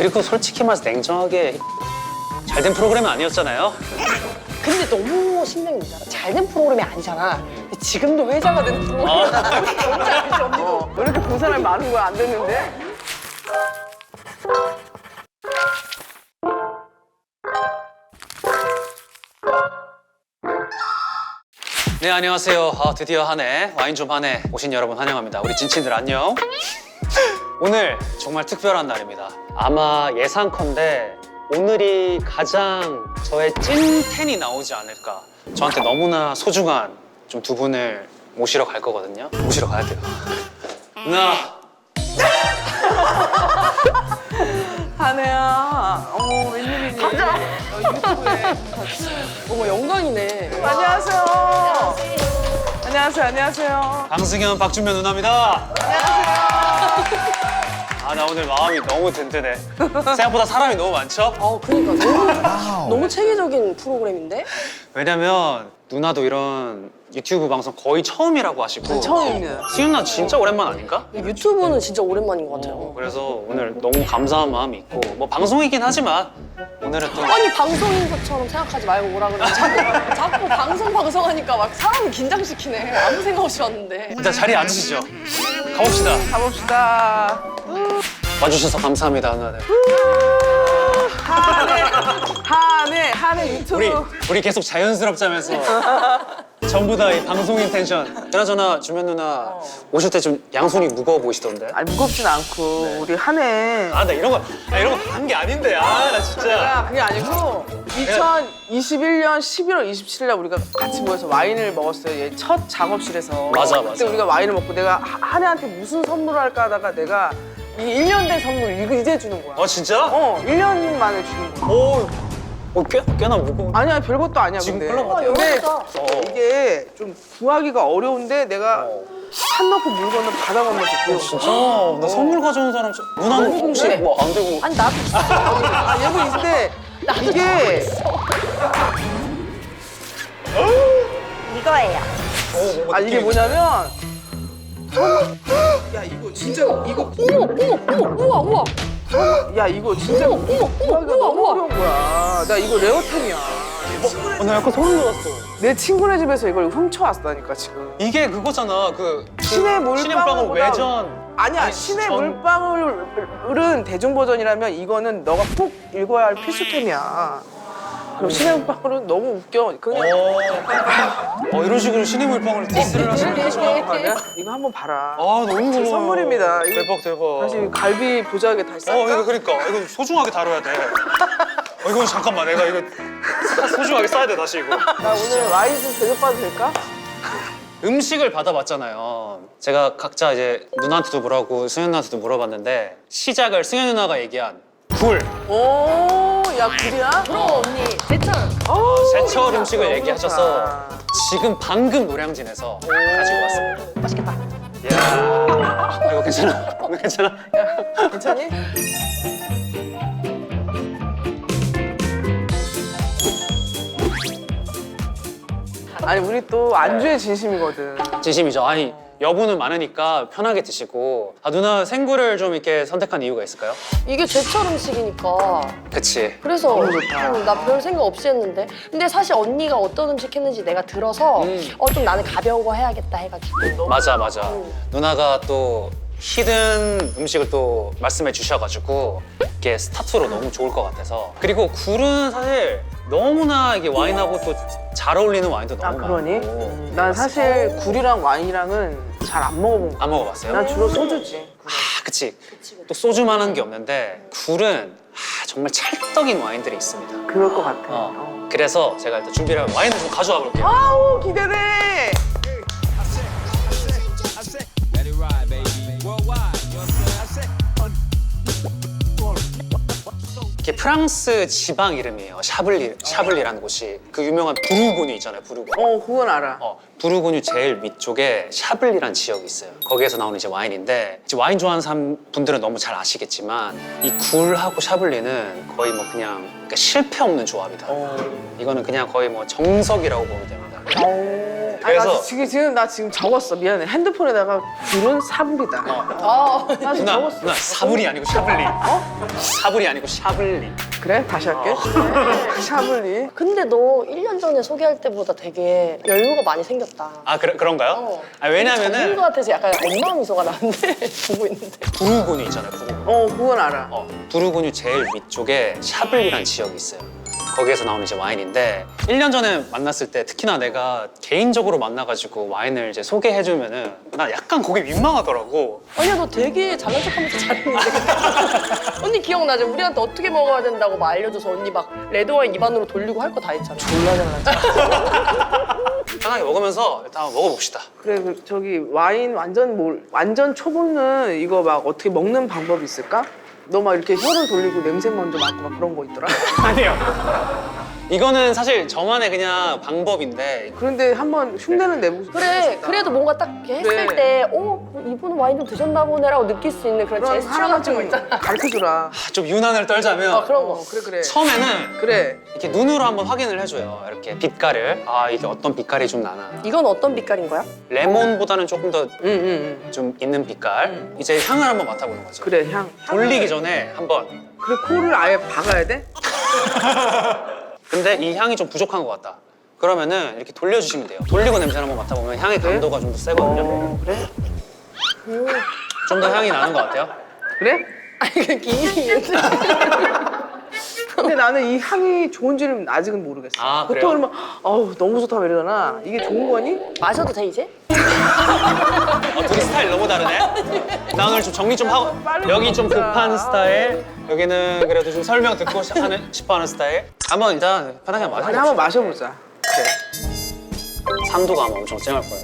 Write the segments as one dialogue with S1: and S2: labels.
S1: 그리고 솔직히 말해서 냉정하게 잘된 프로그램은 아니었잖아요.
S2: 근데 너무 신경이잖아. 잘된 프로그램이 아니잖아. 근데 지금도 회자가 되는 프로그램이야. 뭔지 알지, 언니도?
S3: 왜 이렇게 본 사람이 많은 거야? 안 됐는데?
S1: 네, 안녕하세요. 드디어 한 해, 와인 좀 한 해 오신 여러분 환영합니다. 우리 진친들 안녕. 오늘 정말 특별한 날입니다. 아마 예상컨대 오늘이 가장 저의 찐텐이 나오지 않을까. 저한테 너무나 소중한 좀 두 분을 모시러 갈 거거든요. 모시러 가야 돼요. 누나.
S3: 한혜야. 어머, 웬일이니?
S2: 가자.
S3: 유튜브에.
S2: 어머, 영광이네.
S3: 안녕하세요. 안녕하세요. 안녕하세요.
S1: 강승현, 박준면 누나입니다.
S3: 안녕하세요.
S1: 나 오늘 마음이 너무 든든해. 생각보다 사람이 너무 많죠?
S2: 그러니까 너무 체계적인 프로그램인데?
S1: 왜냐면 누나도 이런 유튜브 방송 거의 처음이라고 하시고
S3: 처음입니다.
S1: 승현 누나 진짜 오랜만 아닌가?
S2: 유튜브는 진짜 오랜만인 것 같아요.
S1: 그래서 오늘 너무 감사한 마음이 있고 뭐 방송이긴 하지만 오늘은 또
S2: 아니, 방송인 것처럼 생각하지 말고 오라 그래. 자꾸 방송하니까 막 사람을 긴장시키네. 아무 생각 없이 왔는데.
S1: 일단 자리에 앉으시죠. 가봅시다.
S3: 가봅시다.
S1: 와주셔서 감사합니다, 누나들.
S3: 한혜 유튜브.
S1: 우리 계속 자연스럽자면서 전부 다 이 방송인 텐션. 그나저나 주면 누나 오실 때 좀 양손이 무거워 보이시던데.
S3: 아니, 무겁진 않고, 우리 한혜.
S1: 나 이런 거 한 게 아닌데. 나 진짜.
S3: 야, 그게 아니고 2021년 11월 27일 날 우리가 같이 모여서 와인을 먹었어요. 얘 첫 작업실에서.
S1: 맞아.
S3: 그때 우리가 와인을 먹고 내가 한혜한테 무슨 선물을 할까 하다가 내가 이 1년 된 선물 이거 이제 주는 거야.
S1: 진짜?
S3: 1년 만에 주는 거야.
S1: 꽤나 무거워.
S3: 아니야, 별것도 아니야.
S1: 지금
S3: 근데.
S1: 별로 같아요.
S3: 근데
S2: 여기다.
S3: 이게 좀 구하기가 어려운데 내가 산 넣고 물 건너 바다 건너서 구해.
S1: 진짜? 나 선물 가져온 사람 누나는 혹시
S2: 그래.
S1: 뭐 안 되고
S2: 아니, 나도 있어.
S3: 얘도 있는데 이게
S2: 이거예요.
S3: 이게 뭐냐면 야, 이거 진짜 이거
S2: 우와.
S3: 야, 이거 진짜 구하기가 너무
S2: 우와.
S3: 어려운 거야. 나 이거 레어템이야.
S1: 나 약간 소름 돋았어.
S3: 내 친구네 집에서 이걸 훔쳐왔다니까 지금.
S1: 이게 그거잖아. 그
S3: 신의
S1: 물방울
S3: 물방울보다-
S1: 외전.
S3: 아니야,
S1: 아니,
S3: 신의
S1: 전-
S3: 물방울은 대중 버전이라면 이거는 너가 꼭 읽어야 할 필수템이야. 그럼 신의 물방울은 너무 웃겨. 그냥
S1: 이런 식으로 신의 물방울 디스를 하시는 거 좋아하는 거 아니야?
S3: 이거 한번 봐라.
S1: 너무 고마워.
S3: 선물입니다. 이거
S1: 대박.
S3: 다시 갈비 보자하게 다시 쌀까?
S1: 이거 그러니까 이거 소중하게 다뤄야 돼. 이거 잠깐만 내가 이거 소중하게 써야 돼 다시 이거.
S3: 나 오늘 와인 좀 대접받아도 될까?
S1: 음식을 받아봤잖아요. 제가 각자 이제 누나한테도 물어보고 승현 누나한테도 물어봤는데 시작을 승현 누나가 얘기한 굴.
S3: 오, 야, 굴이야?
S2: 그럼 언니, 제철.
S1: 제철 음식을
S3: 너무
S1: 얘기하셔서
S3: 좋다.
S1: 지금 방금 노량진에서 가지고 왔습니다.
S2: 맛있겠다.
S1: 이야, 이거 괜찮아? 이거 괜찮아?
S3: 괜찮니? 아니, 우리 또 안주에 진심이거든.
S1: 진심이죠. 아니 여분은 많으니까 편하게 드시고. 누나 생굴을 좀 이렇게 선택한 이유가 있을까요?
S2: 이게 제철 음식이니까.
S1: 그치.
S2: 그래서
S3: 너무 좋다.
S2: 나 별 생각 없이 했는데. 근데 사실 언니가 어떤 음식 했는지 내가 들어서 좀 나는 가벼운 거 해야겠다 해가지고.
S1: 맞아. 누나가 또 히든 음식을 또 말씀해 주셔가지고 이게 스타트로 너무 좋을 것 같아서. 그리고 굴은 사실 너무나 이게 와인하고 또 잘 어울리는 와인도 너무
S3: 그러니?
S1: 많고.
S3: 난 사실 굴이랑 와인이랑은 잘 안 먹어본 거야.
S1: 안 먹어봤어요?
S3: 난 주로 소주지.
S1: 그치. 또 소주만한 게 없는데 굴은 정말 찰떡인 와인들이 있습니다.
S3: 그럴 것 같아.
S1: 그래서 제가 일단 준비를 하고 와인을 좀 가져와 볼게요.
S3: 아우, 기대돼!
S4: Let it ride, baby. Worldwide, you know what I'm saying? I said,
S1: 이게 프랑스 지방 이름이에요. 샤블리라는 곳이. 그 유명한 부르고뉴 있잖아요. 부르고뉴.
S3: 그건 알아.
S1: 부르고뉴 제일 위쪽에 샤블리라는 지역이 있어요. 거기에서 나오는 이제 와인인데 이제 와인 좋아하는 분들은 너무 잘 아시겠지만 이 굴하고 샤블리는 거의 뭐 그냥 그러니까 실패 없는 조합이다. 이거는 그냥 거의 뭐 정석이라고 보면 됩니다. 그래서
S3: 지금 나 지금 적었어. 미안해. 핸드폰에다가 굴은 사불이다.
S2: 아,
S3: 나 지금 적었어.
S1: 누나 사불이 아니고 샤블리. 사불이 아니고 샤블리.
S3: 그래? 다시 할게. 샤블리.
S2: 근데 너 1년 전에 소개할 때보다 되게 여유가 많이 생겼다.
S1: 아 그런가요?
S2: 어.
S1: 아 왜냐면은
S2: 전문 것 같아서 약간 엄마 미소가 나는데 보고 있는데.
S1: 두루근유 있잖아요. 두루근유.
S3: 그건 알아.
S1: 두루근유 제일 위쪽에 샤블리라는 지역이 있어요. 거기에서 나오는 이제 와인인데 1년 전에 만났을 때 특히나 내가 개인적으로 만나가지고 와인을 이제 소개해주면은 나 약간 거기 민망하더라고.
S2: 아니야 너 되게 잘난 척하면서 잘했는데. 언니 기억나죠? 우리한테 어떻게 먹어야 된다고 막 알려줘서 언니 막 레드와인 입안으로 돌리고 할 거 다 했잖아.
S3: 졸라 잘났다.
S1: 편하게 먹으면서 일단 한번 먹어봅시다.
S3: 그래, 저기 와인 완전 초보는 이거 막 어떻게 먹는 방법이 있을까? 너 막 이렇게 혀를 돌리고 냄새 먼저 맡고 막 그런 거 있더라?
S1: 아니요. 이거는 사실 저만의 그냥 방법인데
S3: 그런데 한번 흉내는 내보고
S2: 그래
S3: 싶다.
S2: 그래도 뭔가 딱 이렇게 했을
S3: 그래.
S2: 때 이분은 와인 좀 드셨나 보네라고 느낄 수 있는 그런
S3: 그럼
S2: 제스처
S3: 하나만
S2: 같은 거
S3: 좀
S2: 있잖아.
S3: 가르쳐주라.
S1: 좀 유난을 떨자면
S2: 그런 거.
S3: 그래.
S1: 처음에는
S3: 그래.
S1: 이렇게 눈으로 한번 확인을 해줘요. 이렇게 빛깔을. 아 이게 어떤 빛깔이 좀 나나.
S2: 이건 어떤 빛깔인 거야?
S1: 레몬보다는 조금 더
S3: 응.
S1: 좀 있는 빛깔. 이제 향을 한번 맡아보는 거죠.
S3: 그래, 향.
S1: 돌리기 전에 한번.
S3: 그래, 코를 아예 박아야 돼?
S1: 근데 이 향이 좀 부족한 것 같다. 그러면은 이렇게 돌려주시면 돼요. 돌리고 냄새를 한번 맡아보면 향의 강도가 좀 더 세거든요.
S3: 그래?
S1: 좀 더 향이 나는 것 같아요.
S3: 그래?
S2: 아니 그 기인이겠지.
S3: 근데 나는 이 향이 좋은지는 아직은 모르겠어.
S1: 아,
S3: 보통
S1: 그래요?
S3: 그러면 어우 너무 좋다 이러잖아. 이게 좋은 거니?
S2: 마셔도 돼 이제?
S1: 둘이 스타일 너무 다르네. 나 오늘 좀 정리 좀 하고.
S3: 빨리
S1: 여기 좀
S3: 먹자.
S1: 급한 스타일. 여기는 그래도 좀 설명 듣고 싶어하는 스타일. 한번 일단 편하게
S3: 아니
S1: 마셔봅시다.
S3: 한번 마셔보자. 그래.
S1: 산도가 아마 엄청 쨍할 거예요.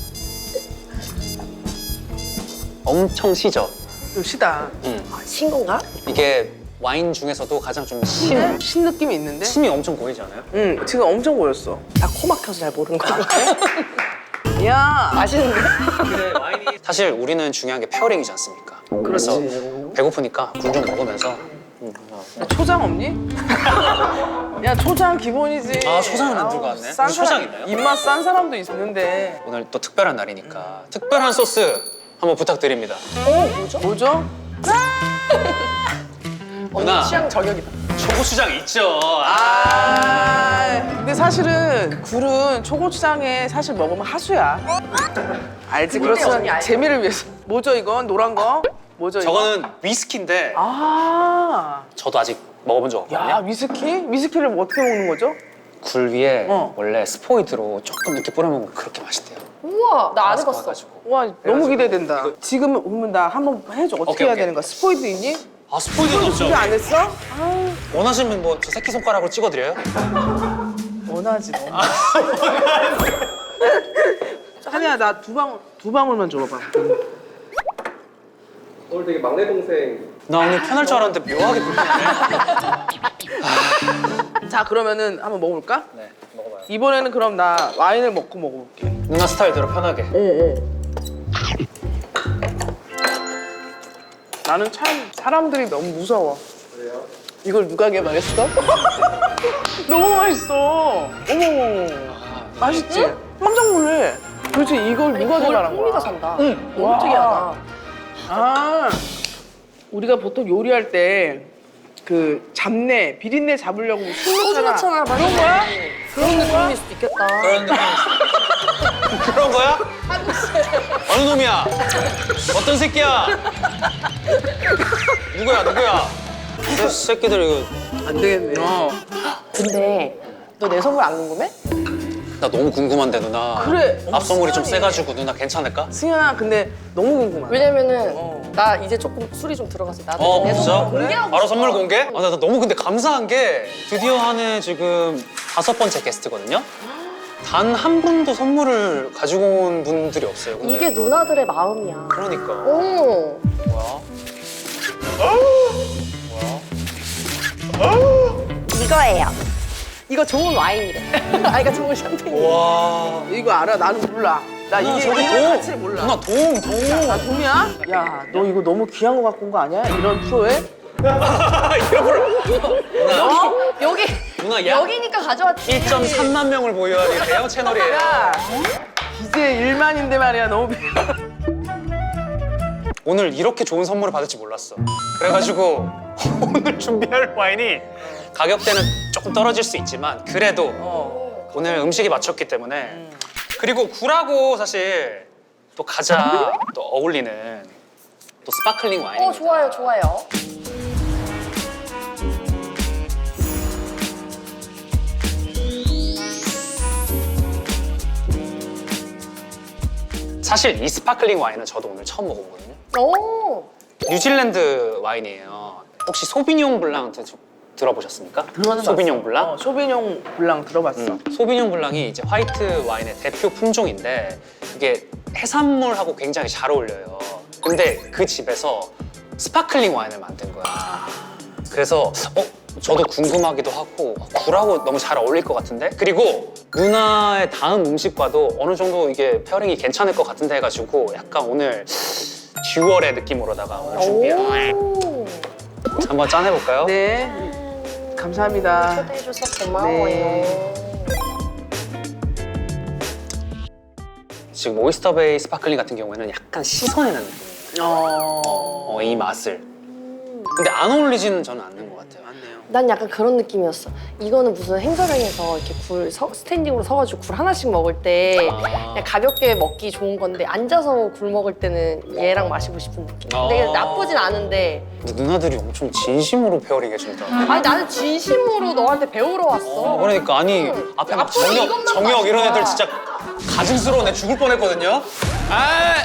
S1: 엄청 시죠.
S3: 좀 시다.
S2: 신 건가?
S1: 이게 와인 중에서도 가장 좀
S3: 신 느낌이 있는데?
S1: 침이 엄청 보이지 않아요?
S3: 응, 지금 엄청 보였어.
S2: 나 코 막혀서 잘 모르는 거야.
S3: 야,
S2: 맛있는데?
S1: 근데 와인이 사실 우리는 중요한 게 페어링이지 않습니까? 그래서 배고프니까 굴 좀 먹으면서
S3: 야, 초장 없니? 야, 초장 기본이지.
S1: 아, 초장은 안
S3: 아우,
S1: 들고 왔네.
S3: 싼
S1: 초장
S3: 사람,
S1: 있나요?
S3: 입맛 싼 사람도 있는데.
S1: 오늘 또 특별한 날이니까 특별한 소스 한번 부탁드립니다.
S3: 뭐죠?
S1: 누나.
S2: 언니 취향 저격이다.
S1: 초고추장 있죠.
S3: 근데 사실은 굴은 초고추장에 사실 먹으면 하수야. 알지?
S2: 근데 언니
S3: 그렇지만
S2: 알죠?
S3: 재미를 위해서. 뭐죠 이건? 노란 거? 뭐죠 이거?
S1: 저거는 위스키인데
S3: 아,
S1: 저도 아직 먹어본 적
S3: 야
S1: 없거든요.
S3: 위스키? 위스키를 뭐 어떻게 먹는 거죠?
S1: 굴 위에
S3: 어.
S1: 원래 스포이드로 조금 이렇게 뿌려 먹으면 그렇게 맛있대요.
S2: 우와 나 안 해봤어.
S1: 바삭바삭해가지고.
S3: 와 너무 기대된다. 지금 그러면 나 한번 해줘. 어떻게
S1: 오케이,
S3: 해야
S1: 오케이.
S3: 되는 거야? 스포이드 있니?
S1: 아 스포이드는 없죠.
S3: 준비 안 했어?
S1: 원하시면 뭐 저 새끼 손가락으로 찍어드려요?
S3: 원하지 너. 한이야 나 두 방울만 줘봐.
S5: 오늘 되게 막내 동생
S1: 나 오늘 편할 줄 알았는데 묘하게 불편해.
S3: 자 그러면은 한번 먹어볼까?
S1: 네, 먹어봐요.
S3: 이번에는 그럼 나 와인을 먹고 먹어볼게.
S1: 누나 스타일대로 편하게.
S3: 나는 참 사람들이 너무 무서워.
S5: 그래요?
S3: 이걸 누가 개발했어? 너무 맛있어. 어머, 맛있지? 깜짝 놀래. 도대체 이걸 누가 개발한
S2: 흥미가
S3: 거야?
S2: 산다.
S3: 응.
S2: 너무
S3: 와.
S2: 특이하다.
S3: 아, 우리가 보통 요리할 때 그 잡내, 비린내 잡으려고
S2: 소주
S3: 넣잖아.
S2: 같잖아.
S3: 그런 거야?
S2: 그런 느낌일 수도 있겠다.
S1: 그런 느낌. 그런 거야? 어느 놈이야? 어떤 새끼야? 누구야? 새끼들 이거.
S3: 안 되겠네.
S2: 근데 너 내 선물 안 궁금해?
S1: 나 너무 궁금한데 누나.
S3: 그래.
S1: 앞선물이 좀
S3: 시원해.
S1: 세가지고 누나 괜찮을까?
S3: 승현아, 근데 너무 궁금하다.
S2: 왜냐면은 나 이제 조금 술이 좀 들어가서 나도 내
S1: 진짜?
S2: 선물 공개하고
S1: 바로
S2: 싶어.
S1: 선물 공개? 아, 나 너무 근데 감사한 게 드디어 한해 지금 5번째 게스트거든요? 단 한 분도 선물을 가지고 온 분들이 없어요. 근데
S2: 이게 누나들의 마음이야.
S1: 그러니까.
S2: 오.
S1: 뭐야?
S2: 이거예요. 이거 좋은 와인이래. 아, 이거 좋은 샴페인.
S1: 와.
S3: 이거 알아? 나는 몰라. 나
S1: 누나
S3: 이게
S1: 저거
S3: 이거
S1: 도움.
S3: 가치를 몰라.
S1: 누나 도움.
S3: 나 돔이야? 야, 너 이거 너무 귀한 거 갖고 온 거 아니야? 이런 프로에?
S1: 이런 걸.
S2: 여기
S1: 누나 약
S2: 여기니까 가져왔지.
S1: 1.3만 명을 보유하는 대형 채널이에요.
S3: 야, 이제 1만인데 말이야. 너무
S1: 오늘 이렇게 좋은 선물을 받을지 몰랐어. 그래가지고 오늘 준비할 와인이 가격대는 조금 떨어질 수 있지만 그래도 오늘 음식이 맞췄기 때문에 그리고 굴하고 사실 또 가장 또 어울리는 또 스파클링 와인입니다.
S2: 좋아요, 좋아요.
S1: 사실 이 스파클링 와인은 저도 오늘 처음 먹어보거든요.
S2: 오,
S1: 뉴질랜드 와인이에요. 혹시 소비뇽 블랑 들어보셨습니까? 소비뇽 블랑?
S3: 소비뇽 블랑 들어봤어.
S1: 소비뇽 블랑이 이제 화이트 와인의 대표 품종인데 이게 해산물하고 굉장히 잘 어울려요. 근데 그 집에서 스파클링 와인을 만든 거야. 그래서 저도 궁금하기도 하고 굴하고 너무 잘 어울릴 것 같은데? 그리고 누나의 다음 음식과도 어느 정도 이게 페어링이 괜찮을 것 같은데 해가지고 약간 오늘 듀얼의 느낌으로다가 오늘 준비한
S2: 오.
S1: 한번 짠해볼까요?
S3: 네. 감사합니다.
S2: 초대해줘서 고마워요.
S3: 네.
S1: 지금 오이스터베이 스파클링 같은 경우에는 약간 씻어내는 느낌. 이 맛을. 근데 안 어울리지는 저는 않는 것 같아요.
S3: 맞네요.
S2: 난 약간 그런 느낌이었어. 이거는 무슨 행사장에서 이렇게 스탠딩으로 서가지고 굴 하나씩 먹을 때 그냥 가볍게 먹기 좋은 건데 앉아서 굴 먹을 때는 얘랑 마시고 싶은 느낌. 근데 나쁘진 않은데.
S1: 근데 누나들이 엄청 진심으로 페어링 해준다.
S2: 아니 나는 진심으로 너한테 배우러 왔어.
S1: 그러니까 아니 앞에 막
S2: 앞으로
S1: 정혁,
S2: 이것만
S1: 정혁 이런
S2: 마셔.
S1: 애들 진짜 가증스러워. 죽을 뻔했거든요.
S6: 아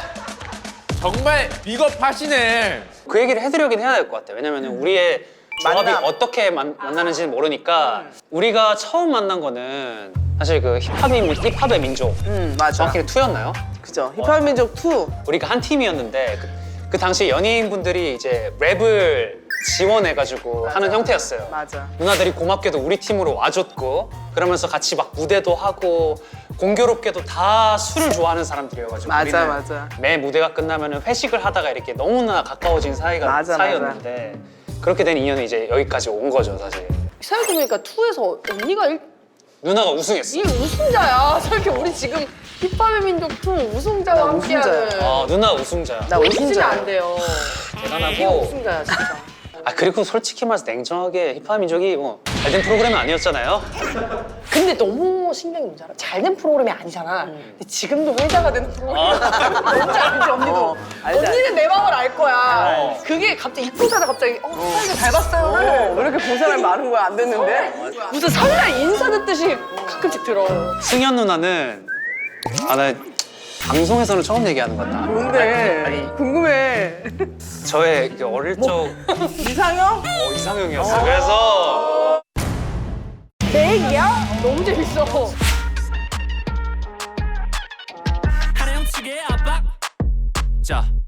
S6: 정말 비겁하시네.
S1: 그 얘기를 해드리긴 해야 될 것 같아요. 왜냐면 우리의 조합이
S3: 만남.
S1: 어떻게 만나는지는 모르니까 우리가 처음 만난 거는 사실 그 힙합의 민족
S3: 맞아.
S1: 정확히 2였나요?
S3: 그죠. 힙합 민족 2.
S1: 우리가 한 팀이었는데 그 당시 연예인분들이 이제 랩을 지원해가지고 하는 형태였어요.
S3: 맞아.
S1: 누나들이 고맙게도 우리 팀으로 와줬고 그러면서 같이 막 무대도 하고 공교롭게도 다 술을 좋아하는 사람들이어가지고
S3: 맞아,
S1: 우리는
S3: 맞아.
S1: 매 무대가 끝나면 회식을 하다가 이렇게 너무나 가까워진
S3: 맞아,
S1: 사이였는데 그렇게 된 인연이 이제 여기까지 온 거죠 사실.
S2: 생각해보니까 2에서 언니가
S1: 누나가 우승했어.
S2: 이 우승자야. 생각해 우리 지금 힙합의 민족 2 우승자와 함께하는.
S3: 우승자야.
S1: 누나 우승자야.
S3: 나
S2: 웃으면
S3: 우승자야.
S2: 안 돼요. 이게
S1: 대단하고.
S2: 우승자야 진짜.
S1: 그리고 솔직히 말해서 냉정하게 힙합 민족이 뭐 잘된 프로그램은 아니었잖아요.
S2: 근데 너무 신기한 게 뭔지 알아? 잘된 프로그램이 아니잖아. 근데 지금도 회자가 되는 프로그램이야. 뭔지 알지 언니도?
S3: 알지,
S2: 언니는 내 마음을 알 거야.
S1: 어.
S2: 그게 갑자기 입고자다 갑자기 사이가 잘 봤어요.
S3: 왜 이렇게 본 사람이 많은 거야? 안 됐는데?
S2: 무슨 설날 인사 듣듯이 가끔씩 들어.
S1: 승현 누나는 나 방송에서는 처음 얘기하는 것 같다.
S3: 뭔데? 궁금해.
S1: 저의 그 어릴 적
S3: 이상형?
S1: 이상형이었어요. 그래서
S2: 내 얘기야? 너무 재밌어.
S6: 하나 형측의 압박. 자